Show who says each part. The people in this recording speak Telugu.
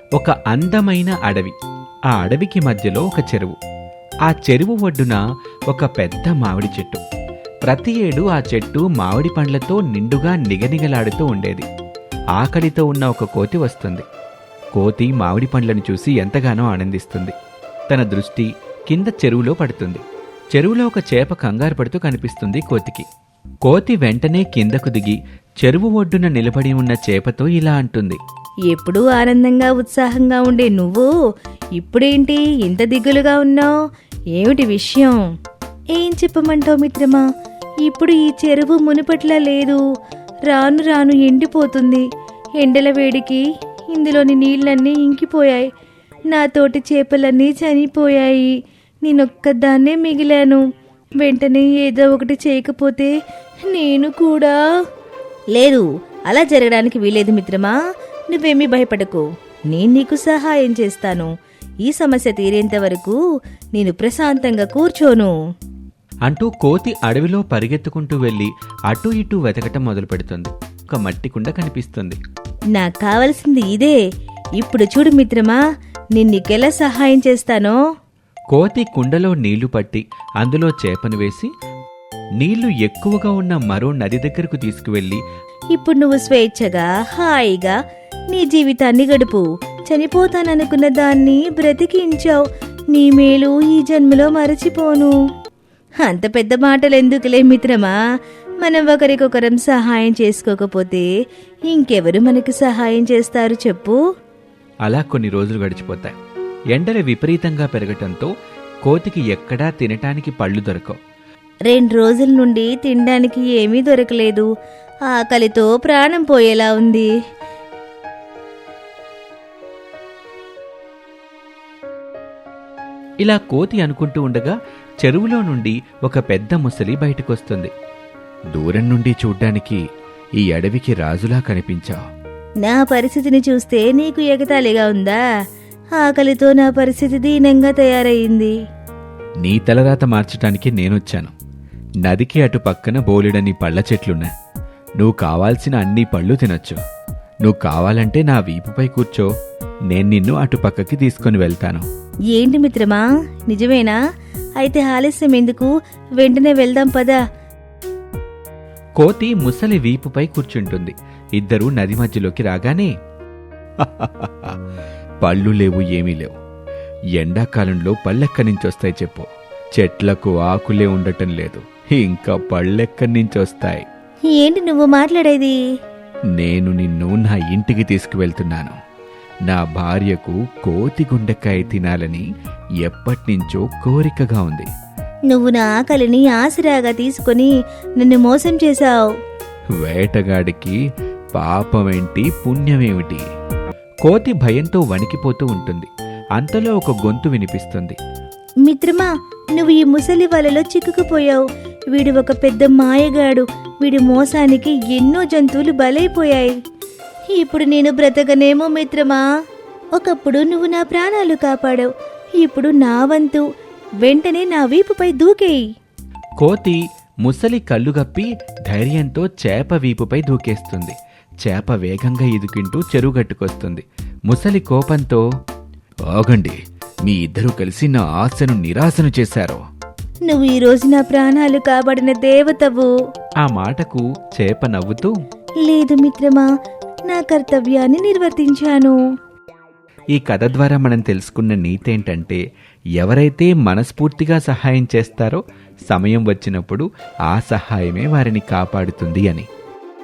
Speaker 1: ఒక అందమైన అడవి. ఆ అడవికి మధ్యలో ఒక చెరువు. ఆ చెరువు ఒడ్డున ఒక పెద్ద మామిడి చెట్టు. ప్రతి ఏడు ఆ చెట్టు మామిడి పండ్లతో నిండుగా నిగనిగలాడుతూ ఉండేది. ఆకలితో ఉన్న ఒక కోతి వస్తుంది. కోతి మామిడి పండ్లను చూసి ఎంతగానో ఆనందిస్తుంది. తన దృష్టి కింద చెరువులో పడుతుంది. చెరువులో ఒక చేప కంగారు పడుతూ కనిపిస్తుంది కోతికి. కోతి వెంటనే కిందకు దిగి చెరువు ఒడ్డున నిలబడి ఉన్న చేపతో ఇలా అంటుంది.
Speaker 2: ఎప్పుడూ ఆనందంగా ఉత్సాహంగా ఉండే నువ్వు ఇప్పుడేంటి ఇంత దిగులుగా ఉన్నావు? ఏమిటి విషయం? ఏం చెప్పమంటావు మిత్రమా? ఇప్పుడు ఈ చెరువు మునుపట్లా లేదు. రాను రాను ఎండిపోతుంది. ఎండల వేడికి ఇందులోని నీళ్లన్నీ ఇంకిపోయాయి. నా తోటి చేపలన్నీ చనిపోయాయి. నేనొక్కదాన్నే మిగిలాను. వెంటనే ఏదో ఒకటి చేయకపోతే నేను కూడా... లేదు, అలా జరగడానికి వీలేదు మిత్రమా. నువ్వేమీ భయపడకు. నేను నీకు సహాయం చేస్తాను. ఈ సమస్య తీరేంత వరకు నేను ప్రశాంతంగా కూర్చోను
Speaker 1: అంటూ కోతి అడవిలో పరిగెత్తుకుంటూ వెళ్లి అటూ ఇటూ వెతకటం మొదలు పెడుతుంది. ఒక మట్టి కుండ కనిపిస్తుంది.
Speaker 2: నాకు కావలసింది ఇదే. ఇప్పుడు చూడు మిత్రమా, నేను నీకెలా సహాయం చేస్తానో.
Speaker 1: కోతి కుండలో నీళ్లు పట్టి అందులో చేపను వేసి నీళ్లు ఎక్కువగా ఉన్న మరో నది దగ్గరకు తీసుకువెళ్లి,
Speaker 2: ఇప్పుడు నువ్వు స్వేచ్ఛగా హాయిగా నీ జీవితాన్ని గడుపు. చనిపోతాననుకున్న దాన్ని బ్రతికించావు. నీ మేలు ఈ జన్మలో మరచిపోను. అంత పెద్ద మాటలెందుకులే మిత్రమా. మనం ఒకరికొకరం సహాయం చేసుకోకపోతే ఇంకెవరు మనకి సహాయం చేస్తారు చెప్పు?
Speaker 1: అలా కొన్ని రోజులు గడిచిపోతాయి. ఎండలు విపరీతంగా పెరగటంతో కోతికి ఎక్కడా తినటానికి పళ్ళు దొరకవు.
Speaker 2: 2 రోజుల నుండి తినడానికి ఏమీ దొరకలేదు. ఆకలితో ప్రాణం పోయేలా ఉంది.
Speaker 1: ఇలా కోతి అనుకుంటూ ఉండగా చెరువులో నుండి ఒక పెద్ద ముసలి బయటకొస్తుంది. దూరం నుండి చూడ్డానికి ఈ అడవికి రాజులా కనిపించావు.
Speaker 2: నా పరిస్థితిని చూస్తే నీకు ఎగతాళిగా ఉందా? ఆకలితో నా పరిస్థితి దీనంగా తయారయ్యింది.
Speaker 1: నీ తలరాత మార్చటానికి నేనొచ్చాను. నదికి అటు పక్కన బోలెడని పళ్ళ చెట్లున్నా. నువ్వు కావాల్సిన అన్ని పళ్ళు తినొచ్చు. నువ్వు కావాలంటే నా వీపుపై కూర్చో. నేను నిన్ను అటు పక్కకి తీసుకుని వెళ్తాను.
Speaker 2: ఏంటి మిత్రమా, నిజమేనా? అయితే ఆలస్యం ఎందుకు? వెంటనే వెళ్దాం పదా.
Speaker 1: కోతి ముసలి వీపుపై కూర్చుంటుంది. ఇద్దరూ నది మధ్యలోకి రాగానే, పళ్ళు లేవు, ఏమీ లేవు. ఎండాకాలంలో పళ్ళెక్కడి నుంచొస్తాయి చెప్పు? చెట్లకు ఆకులే ఉండటం లేదు, ఇంకా పళ్ళెక్కడి నుంచొస్తాయి?
Speaker 2: ఏంటి నువ్వు మాట్లాడేది?
Speaker 1: నేను నిన్ను నా ఇంటికి తీసుకువెళ్తున్నాను. నా భార్యకు కోతి గుండెకాయ తినాలని ఎప్పటినుంచో కోరికగా ఉంది.
Speaker 2: నువ్వు నా ఆకలిని ఆసరాగా తీసుకుని నన్ను మోసం చేశావు.
Speaker 1: వేటగాడికి పాపమేంటి, పుణ్యమేమిటి? కోతి భయంతో వణికిపోతూ ఉంటుంది. అంతలో ఒక గొంతు వినిపిస్తుంది.
Speaker 2: మిత్రమా, నువ్వు ఈ ముసలి వలలో చిక్కుకుపోయావు. వీడు ఒక పెద్ద మాయగాడు. వీడి మోసానికి ఎన్నో జంతువులు బలైపోయాయి. ఇప్పుడు నేను బ్రతకనేమో మిత్రమా. ఒకప్పుడు నువ్వు నా ప్రాణాలు కాపాడావు. ఇప్పుడు నా వంతు. వెంటనే నా వీపుపై దూకేయి.
Speaker 1: కోతి ముసలి కళ్ళుగప్పి ధైర్యంతో చేప వీపుపై దూకేస్తుంది. చేప వేగంగా ఇదుకుంటూ చెరువుగట్టుకొస్తుంది. ముసలి కోపంతో, ఆగండి, మీ ఇద్దరూ కలిసి నా ఆశను నిరాశను చేశారు.
Speaker 2: నువ్వు ఈ రోజు నా ప్రాణాలు కాపాడిన దేవతవు.
Speaker 1: ఆ మాటకు చేప నవ్వుతూ,
Speaker 2: లేదు మిత్రమా, నా కర్తవ్యాన్ని నిర్వర్తించాను.
Speaker 1: ఈ కథ ద్వారా మనం తెలుసుకున్న నీతేంటంటే, ఎవరైతే మనస్ఫూర్తిగా సహాయం చేస్తారో సమయం వచ్చినప్పుడు ఆ సహాయమే వారిని కాపాడుతుంది అని.